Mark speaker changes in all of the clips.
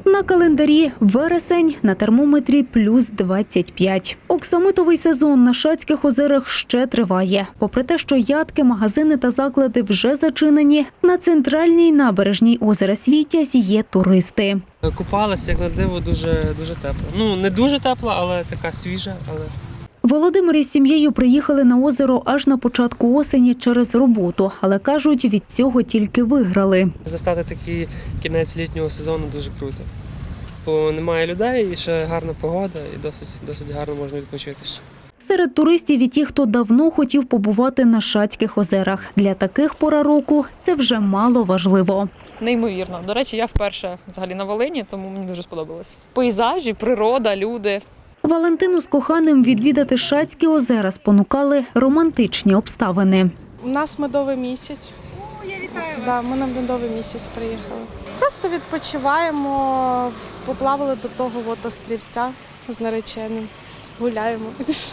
Speaker 1: На календарі вересень, на термометрі плюс 25. Оксамитовий сезон на Шацьких озерах ще триває. Попри те, що ядки, магазини та заклади вже зачинені, на центральній набережній озера Світязь є туристи.
Speaker 2: Купалася, як на диво, дуже тепло. Ну, не дуже тепло, але така свіжа.
Speaker 1: Володимир із сім'єю приїхали на озеро аж на початку осені через роботу, але кажуть, від цього тільки виграли.
Speaker 2: Застати такий кінець літнього сезону дуже круто. Бо немає людей, і ще гарна погода, і досить гарно можна відпочити ще.
Speaker 1: Серед туристів і ті, хто давно хотів побувати на Шацьких озерах. Для таких пора року це вже мало важливо.
Speaker 3: Неймовірно. До речі, я вперше взагалі на Волині, тому мені дуже сподобалось. Пейзажі, природа, люди.
Speaker 1: Валентину з коханим відвідати Шацькі озера спонукали романтичні обставини.
Speaker 4: У нас медовий місяць.
Speaker 5: О, я вітаю вас.
Speaker 4: Да, ми на медовий місяць приїхали. Просто відпочиваємо, поплавали до того острівця з нареченим, гуляємо.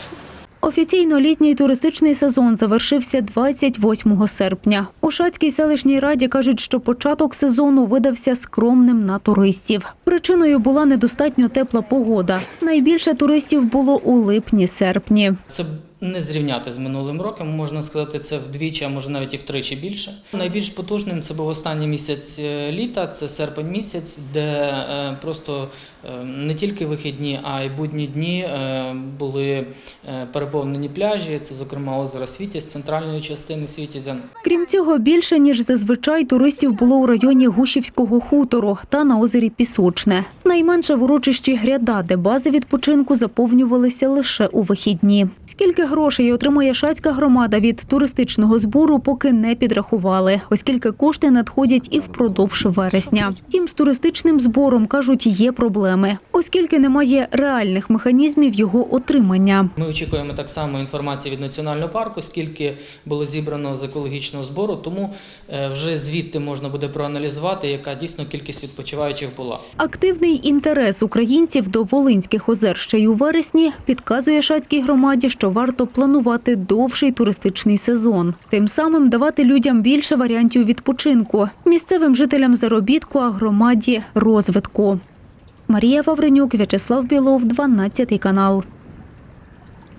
Speaker 1: Офіційно літній туристичний сезон завершився 28 серпня. У Шацькій селищній раді кажуть, що початок сезону видався скромним на туристів. Причиною була недостатньо тепла погода. Найбільше туристів було у липні-серпні.
Speaker 6: Це не зрівняти з минулим роком, можна сказати, це вдвічі, а може навіть і втричі більше. Найбільш потужним це був останній місяць літа, це серпень місяць, де просто не тільки вихідні, а й будні дні були переповнені пляжі, це, зокрема, озеро Світязь, центральної частини Світязя.
Speaker 1: Крім цього, більше, ніж зазвичай, туристів було у районі Гущівського хутору та на озері Пісочне. Найменше в урочищі Гряда, де бази відпочинку заповнювалися лише у вихідні. Скільки грошей отримує Шацька громада від туристичного збору, поки не підрахували, оскільки кошти надходять і впродовж вересня. Втім, з туристичним збором, кажуть, є проблеми, оскільки немає реальних механізмів його отримання.
Speaker 6: Ми очікуємо так само інформації від національного парку, скільки було зібрано з екологічного збору, тому вже звідти можна буде проаналізувати, яка дійсно кількість відпочиваючих була.
Speaker 1: Активний інтерес українців до Волинських озер ще й у вересні підказує Шацькій громаді, що варто планувати довший туристичний сезон. Тим самим давати людям більше варіантів відпочинку, місцевим жителям заробітку, а громаді розвитку. Марія Вавренюк, В'ячеслав Білов, 12 канал.